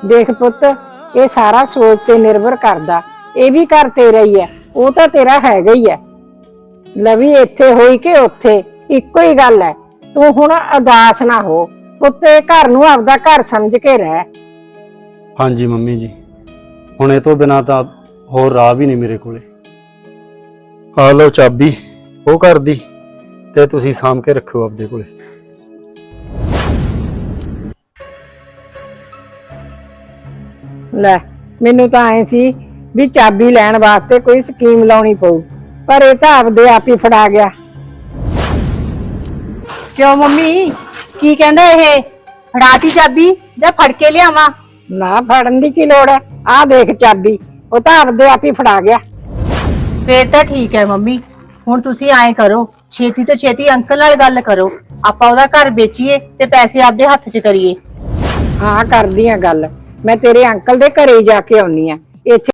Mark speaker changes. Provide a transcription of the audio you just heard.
Speaker 1: देख पुत, ये सारा सोच ते निर्भर करदा। ये भी घर तेरा ही है, वो तो तेरा हैगा ही है। लवी इत्थे होई के उत्थे इक्को ही गल है। तू हुण उदास ना हो पुत, घर नूं आपदा घर समझ के रह।
Speaker 2: हाँ जी मम्मी जी, हुण इह तों बिना तां होर राह भी नहीं मेरे कोले। आ लो चाबी वो घर दी ते तुसीं साम के रखियो आपदे कोले।
Speaker 1: ले मैनू तां ऐ सी भी चाबी लैण वास्ते कोई स्कीम लाउणी पऊ, पर ये तां आपदे आप ही फड़ा गया।
Speaker 3: क्यों मम्मी की कहंदा ये? फड़ाती चाबी जां फड़ के लियावां?
Speaker 1: ना फड़न दी की लोड़ है, आ देख चाबी, वो तां आपदे आप ही फड़ा गया।
Speaker 3: फिर तो ठीक है मम्मी। हुण तुसी आए करो, छेती तो छेती अंकल नाल गल करो, आपां ओहदा घर बेचीए ते पैसे आपदे हत्थ च करिए।
Speaker 1: हाँ करदी आ गल, मैं तेरे अंकल दे घरे ही जाके आउणी आ। इत्थे